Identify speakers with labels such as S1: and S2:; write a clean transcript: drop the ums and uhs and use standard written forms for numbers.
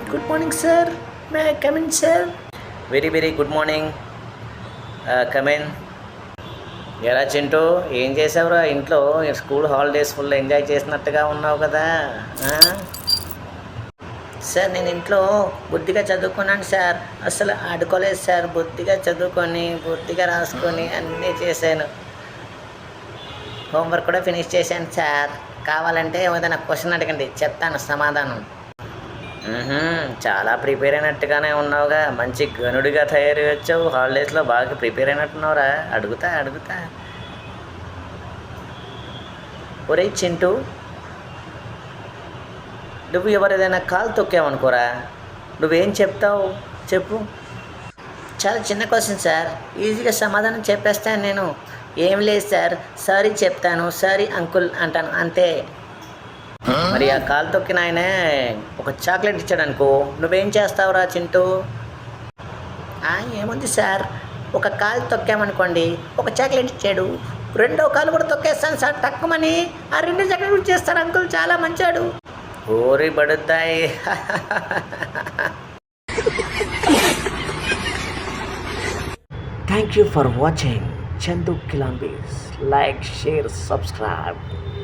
S1: Good morning sir. May I come in sir?
S2: Very good morning. Come in. ఎలా చింటూ, ఏం చేసావురా ఇంట్లో? స్కూల్ హాలిడేస్ ఫుల్ ఎంజాయ్ చేసినట్టుగా ఉన్నావు కదా.
S1: సార్ నేను ఇంట్లో బుద్ధిగా చదువుకున్నాను సార్. అసలు ఆడుకోలేదు సార్. బుద్ధిగా చదువుకొని బుద్ధిగా రాసుకొని అన్నీ చేశాను. హోంవర్క్ కూడా ఫినిష్ చేశాను సార్. కావాలంటే ఏదైనా క్వశ్చన్ అడగండి, చెప్తాను సమాధానం.
S2: చాలా ప్రిపేర్ అయినట్టుగానే ఉన్నావుగా. మంచి గనుడిగా తయారు వచ్చావు. హాలిడేస్లో బాగా ప్రిపేర్ అయినట్టున్నావురా. అడుగుతా. ఒరే చింటూ, నువ్వు ఎవరేదైనా కాలు తొక్కావనుకోరా, నువ్వేం చెప్తావు చెప్పు?
S1: చాలా చిన్న క్వశ్చన్ సార్. ఈజీగా సమాధానం చెప్పేస్తాను నేను. ఏం లేదు సార్, సారీ చెప్తాను, సారీ అంకుల్ అంటాను, అంతే.
S2: మరి ఆ కాలు తొక్కిన ఆయనే ఒక చాక్లెట్ ఇచ్చాడు అనుకో, నువ్వేం చేస్తావురా చింటూ?
S1: ఏముంది సార్, ఒక కాలు తొక్కామనుకోండి, ఒక చాక్లెట్ ఇచ్చాడు. రెండో కాలు కూడా తొక్కేస్తాను సార్, తక్కువని. ఆ 2 చాక్లెట్ చేస్తాను అంకుల్, చాలా మంచాడు.
S2: ఓరి బడుద్దాయి.
S1: Thank you for watching Chandu Kilambis. Like, share, subscribe.